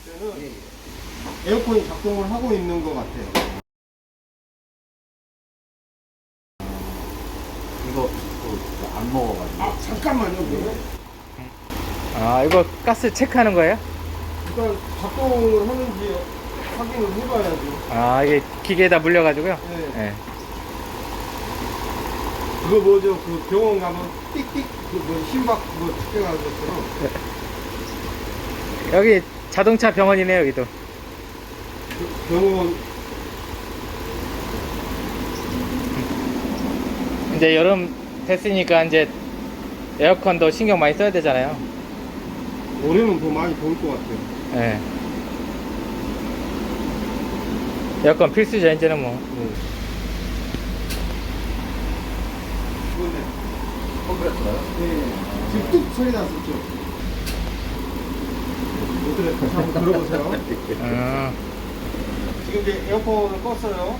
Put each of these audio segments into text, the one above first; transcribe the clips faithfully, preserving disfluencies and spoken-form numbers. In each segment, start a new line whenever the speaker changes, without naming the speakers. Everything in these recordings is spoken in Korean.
때는 에어컨이 작동을 하고 있는 것 같아요.
이거 그, 안 먹어가지고.
아 잠깐만요. 그러면
아, 이거 가스 체크하는 거예요?
일단 작동을 하는지 확인을 해봐야죠.
아, 이게 기계에다 물려가지고요?
네.
네.
그거 뭐죠? 그 병원 가면 띡띡 그뭐 심박 그거 측정하는 것처럼.
여기 자동차 병원이네요, 여기도.
그 병원
이제 여름 됐으니까 이제 에어컨도 신경 많이 써야 되잖아요.
올해는 더 많이 더울 것 같아요.
네. 에어컨 필수죠, 이제는 뭐.
네. 이거네.
컴프레서요?
네. 지금 뚝 소리 났었죠. 어떻게 한번 들어보세요.
아,
지금 이제 에어컨을 껐어요.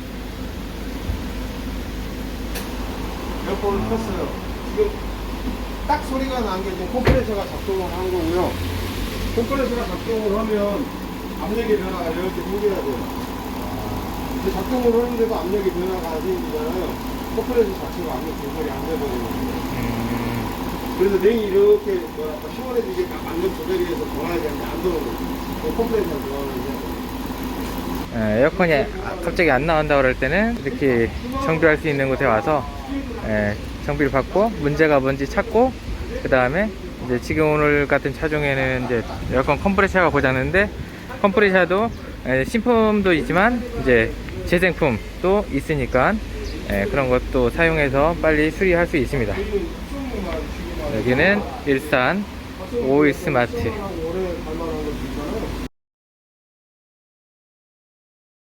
에어컨을 껐어요. 지금 딱 소리가 난 게 지금 컴프레서가 작동을 한 거고요. 컴프레서가 작동을 하면 압력의 변화가 이렇게 생겨야 돼요. 근데 작동을 하는데도 압력의 변화가 안 생기잖아요. 컴프레서 자체가 압력 조절이 안 되거든요.
음,
그래서 냉이 이렇게 뭐랄까 시원해지게 딱 압력 조절이 돼서 돌아야 되는데 안 들어오는 컴프레서가 들어가는데
예, 에어컨이 갑자기 안 나온다 그럴 때는 이렇게 정비할 수 있는 곳에 와서 예, 정비를 받고 문제가 뭔지 찾고, 그 다음에 이제 지금 오늘 같은 차종에는 이제 에어컨 컴프레셔가 고장났는데, 컴프레셔도 예, 신품도 있지만 이제 재생품도 있으니까 예, 그런 것도 사용해서 빨리 수리할 수 있습니다. 여기는 일산 오일 스마트